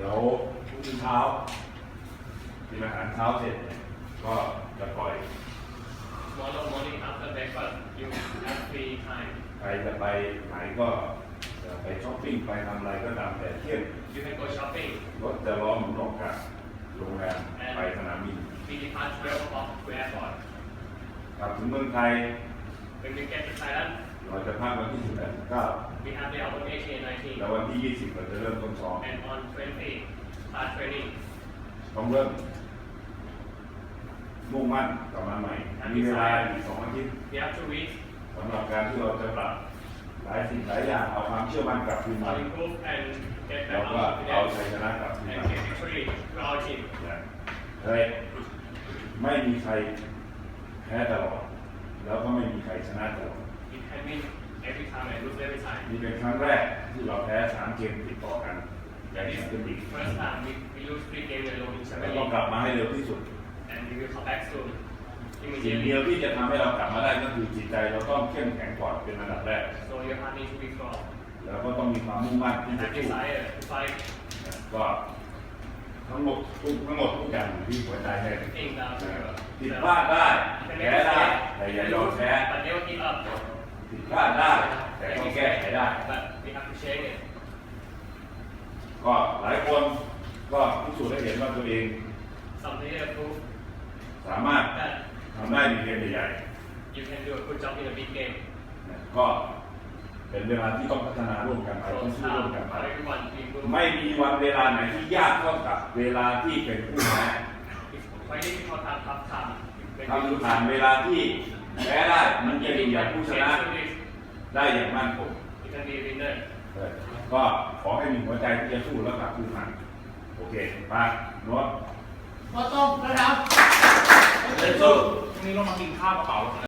ดี๋ยวพรุ่งนี้เช้ากินอาหารเช้าเสร็จก็จะปล่อย Tomorrow morning after breakfast, you have free time. ใครจะไปไหนก็จะไปช้อปปิ้งไปทำอะไรก็ตามแต่เที่ยง You can go shopping. รถจะล้อมหมุนออกจากโรงแรมไปสนามบิน We depart 12 o'clock to airport. กลับถึงเมืองไทย When we get to Thailand, เราจะพักวันที่18 19 we have the hour 18, แล้ว 19. วันที่ 20 เราจะเริ่มต้นซ้อม And on 20, start training. ต้องเริ่มมุ่งมั่นกลับมาใหม่ มีเวลาอีก2 อาทิตย์ We have 2 weeks สำหรับการที่เราจะปรับหลายสิ่งหลายอย่างเอาความเชื่อมั่นกลับคืนมา to improve and get แล้ว back ก็ on เอา confidence ชัยชนะกลับคืน and มา get victory to our team. เฮ้ยไม่มีใครแพ้ตลอดแล้วก็ไม่มีใครชนะตลอด We can win every time and lose every time. นี่เป็นครั้งแรกที่เราแพ้3 เกมติดต่อกันใน That แช is มเปี้ยนลีก first time we lose 3 games in a row in แล้ว Champions ต้อง League. กลับมาให้เร็วที่สุด And we will come back soon. สิ่งเดี Immediately. ยวที่จะทำให้เรากลับมาได้ก็คือจิตใจเราต้องเข้มแข็งก่อนเป็นอันดับแรก So your heart needs to be strong. แล้วก็ต้องมีความมุ่งมั่นที่ And จะ have สู้ desire to fight. ก็ทั้งหมดทุกอย่างอยู่ที่หัวใจเลย Things down to ผิดพลาดได้แพ้ได้แต่อย่ายอมแพ้ But never give up. ผิดพลาดได้แต่ต้องแก้ไขได้ But we have to change it. ก็หลายคนก็พิสูจน์ให้เห็นว่าตัวเอง Something to prove สามารถ that ทำได้ในเกมใหญ่ you can do a good job in a big game. ๆก็เป็นเวลาที่ต้องพัฒนาร่วมกันไป So ต้อง it's สู้ร่วมกัน time ไป for everyone to improve. ไม่มีวันเวลาไหนที่ยากเท่ากับเวลาที่เป็นผู้แพ้ It's quite difficult to have tough time. When ทำผ่านเวลาที่แพ้ได้มันจะอยู่อย่างผู้ชนะ change this, ได้อย่างมั่นคง you can be a winner. ก็ขอให้มีหัวใจที่จะสู้แล้วกลับคืนมาโอเคมาโน้ตก็ต้องนะครับเล่นสู้พรุ่งนี้เรามากินข้าวกระเป๋า